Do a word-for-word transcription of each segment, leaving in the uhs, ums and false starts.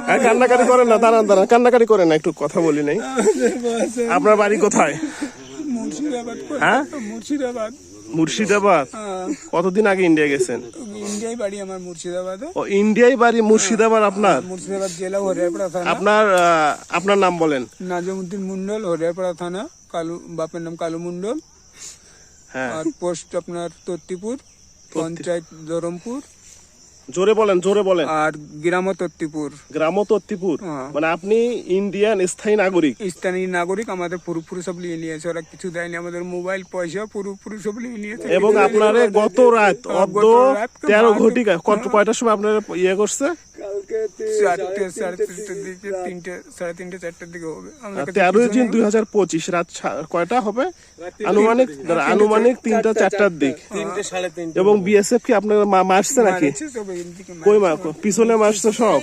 কান্নাকাটি করেন না, দাঁড়ান দাঁড়ান, কান্নাকাটি করেন না, একটু কথা বলি নাই। আপনার বাড়ি কোথায়? মুর্শিদাবাদ। হ্যাঁ, মুর্শিদাবাদ। মুর্শিদাবাদ। কতদিন আগে ইন্ডিয়া গেছেন? ইন্ডিয়ায় বাড়ি আমার মুর্শিদাবাদে। ও, ইন্ডিয়ায় বাড়ি মুর্শিদাবাদ আপনার? মুর্শিদাবাদ জেলা হরিয়ারপাড়া থানা। আপনার আপনার নাম বলেন? নাজমুদ্দিন মন্ডল, হরিয়ারপাড়া থানা। কালু, বাপের নাম কালু মন্ডল। হ্যাঁ। আর পোস্ট আপনার তত্তিপুর, পঞ্চায়েত ধরমপুর। জোরে বলেন, জোরে বলেন। আর গ্রাম তত্তিপুর। গ্রাম তত্তিপুর। মানে আপনি ইন্ডিয়ান স্থায়ী নাগরিক? স্থানীয় নাগরিক। আমাদের পুরোপুরি সব নিয়ে নিয়েছে ওরা, কিছু দেয়নি আমাদের। মোবাইল, পয়সা পুরোপুরি সব নিয়ে নিয়েছে। এবং আপনারে গত রাত অর্ধ তেরো ঘটিকা কত কয়টার সময় আপনার ইয়ে করছে? চারটে সাড়ে তিনটের দিকে, তিনটে সাড়ে তিনটে চারটের দিকে হবে। তেরোই জুন দুই হাজার পঁচিশ রাত কয়টা হবে? আনুমানিক আনুমানিক তিনটা চারটার দিক। এবং বিএসএফ কি আপনার মারছে নাকি? কই মা পিছনে মারছে সব?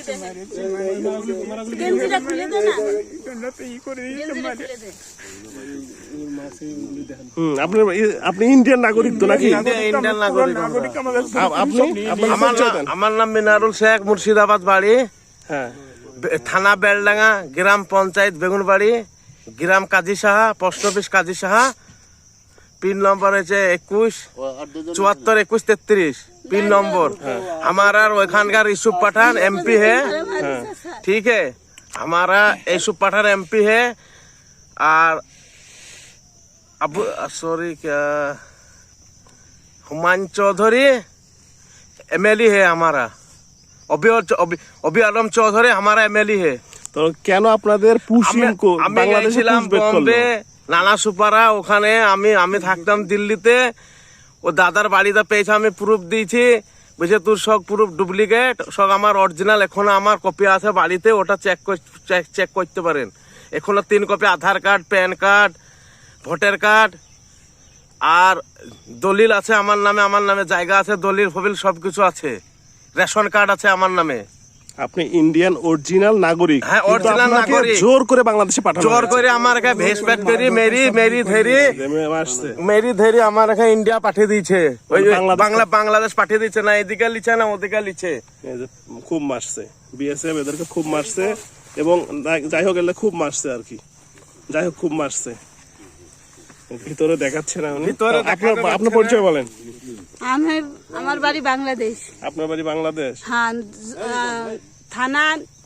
হম আপনার আপনি ইন্ডিয়ান নাগরিক তো নাকি? ইন্ডিয়ান নাগরিক। আপনি? আমার নাম মিনারুল শেখ, মুর্শিদাবাদ বাড়ি। হ্যাঁ। থানা বেলডাঙ্গা, গ্রাম পঞ্চায়েত বেগুনবাড়ি, গ্রাম Kazi Saha, post office Kazi Saha. Pin number হচ্ছে একুশ চুয়াত্তর একুশ তেত্রিশ পিन नंबर। हमारा ওইখানকার ইউসুফ पठान एमपी है, ठीक है। हमारा यूसुफ पठान एमपी है। और अब सॉरी क्या हुमायूं चौधरी एमएलए है हमारा। अभी अभी आलम चौधरी हमारा एमएलए है। তো কেন আপনাদের পুশিং বাংলাদেশে পুশব্যাক করলো? নানা সুপারা ওখানে আমি আমি থাকতাম দিল্লিতে। ও দাদার বাড়িতে পেয়েছে, আমি প্রুফ দিয়েছি। বুঝে তোর সব প্রুফ ডুপ্লিকেট, সব আমার অরিজিনাল। এখনো আমার কপি আছে বাড়িতে, ওটা চেক চেক করতে পারেন। এখনো তিন copy Aadhaar card, PAN card, voter card আর দলিল আছে আমার নামে। আমার নামে জায়গা আছে, দলিল ফবিল সবকিছু আছে। রেশন কার্ড আছে আমার নামে। আপনি ইন্ডিয়ান অরিজিনাল নাগরিক? হ্যাঁ, অরিজিনাল নাগরিক। জোর করে বাংলাদেশে পাঠানো, জোর করে আমার কাছে ভেস ফ্যাক্টরি মেরি মেরি ধেরি মেরি ধেরি আমার কাছে ইন্ডিয়া পাঠিয়ে দিয়েছে। ওই বাংলা বাংলাদেশ পাঠিয়ে দিচ্ছে না, এদিকে লিছে না ওদিকে লিছে। খুব মারছে বিএসএফ, এদেরকে খুব মারছে। এবং যাই হোক এলে খুব মারছে আর কি, যাই হোক খুব মারছে। ভিতরে দেখাচ্ছে না উনি। আপনার আপনার পরিচয় বলেন। আমি, আমার বাড়ি বাংলাদেশ। আপনার বাড়ি বাংলাদেশ? হ্যাঁ, থানা